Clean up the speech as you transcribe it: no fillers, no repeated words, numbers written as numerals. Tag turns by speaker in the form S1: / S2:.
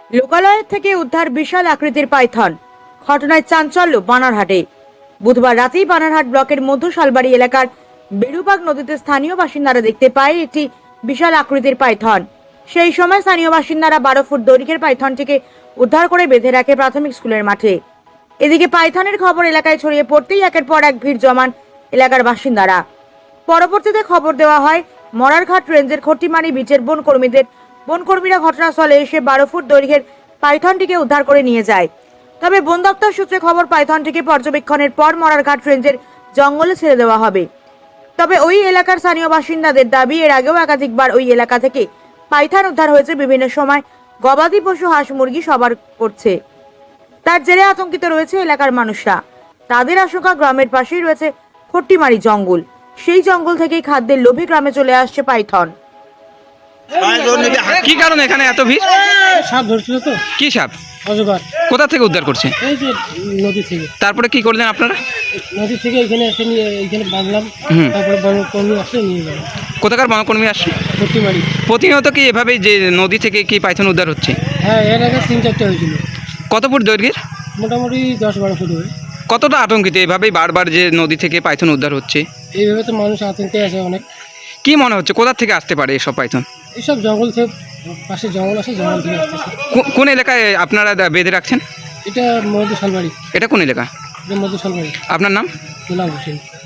S1: লোকালয় থেকে উদ্ধার বিশাল আকৃতির পাইথন। ঘটনায় চাঞ্চল্য বানারহাটে। বুধবার রাতেই বানারহাট ব্লকের মধ্য শালবাড়ি এলাকার বেড়ুবাগ নদীতে স্থানীয় বাসিন্দারা দেখতে পায় একটি বিশাল আকৃতির পাইথন। সেই সময় স্থানীয় বাসিন্দারা 12 ফুট দৈর্ঘ্যের পাইথনটিকে উদ্ধার করে বেঁধে রাখে প্রাথমিক স্কুলের মাঠে। এদিকে পাইথনের খবর এলাকায় ছড়িয়ে পড়তেই একের পর এক ভিড় জমান এলাকার বাসিন্দারা। পরবর্তীতে খবর দেওয়া হয় মরারঘাট রেঞ্জের খট্টিমারি বিচের বনকর্মীরা ঘটনাস্থলে এসে 12 ফুট দৈর্ঘ্যের পাইথনটিকে উদ্ধার করে নিয়ে যায়। তবে বন দপ্তর সূত্রে খবর, পাইথনটিকে পর্যবেক্ষণের পর মরারঘাট রেঞ্জের জঙ্গলে ছেড়ে দেওয়া হবে। তবে ওই এলাকার স্থানীয় বাসিন্দাদের দাবি, এর আগেও একাধিকবার ওই এলাকা থেকে পাইথন উদ্ধার হয়েছে। বিভিন্ন সময় গবাদি পশু, হাঁস মুরগি সবার করছে। তার জেরে আতঙ্কিত রয়েছে এলাকার মানুষরা। তাদের আশঙ্কা, গ্রামের পাশেই রয়েছে খট্টিমারি জঙ্গল, সেই জঙ্গল থেকেই খাদ্যের লোভে গ্রামে চলে আসছে পাইথন।
S2: কি কারণে এখানে এত ভিড়?
S3: সাপ ধরছিল তো।
S2: কি সাপ?
S3: অজগর।
S2: কোথা থেকে উদ্ধার করছে?
S3: এই যে নদী থেকে।
S2: তারপরে কি করলেন আপনারা?
S3: নদী থেকে এখানে এসে নিয়ে এখানে বাঁধলাম। তারপরে বনকর্মী আসলে নিয়ে গেল।
S2: কোথাকার বনকর্মী আসছে?
S3: খট্টিমারি।
S2: প্রতিনিয়ত কি এভাবেই যে নদী থেকে কি পাইথন উদ্ধার হচ্ছে?
S3: হ্যাঁ, এর আগে 3-4টা হয়েছিল।
S2: কত ফুট দৈর্ঘ্যের?
S3: মোটামুটি 10-12 ফুট হবে।
S2: কতটা আতঙ্কিত এভাবেই বারবার যে নদী থেকে পাইথন উদ্ধার হচ্ছে?
S3: এইভাবে তো মানুষ আতঙ্কে আছে অনেক।
S2: কি মনে হচ্ছে কোথা থেকে আসতে পারে এসব পাইথন?
S3: এইসব জঙ্গল থেকে, পাশে জঙ্গল আছে, জঙ্গল থেকে আসতেছে।
S2: কোন এলাকায় আপনারা বেঁধে রাখছেন?
S3: এটা মধু শালবাড়ি।
S2: এটা কোন এলাকা?
S3: এটা মধু শালবাড়ি।
S2: আপনার নাম?
S3: গোলাম হোসেন।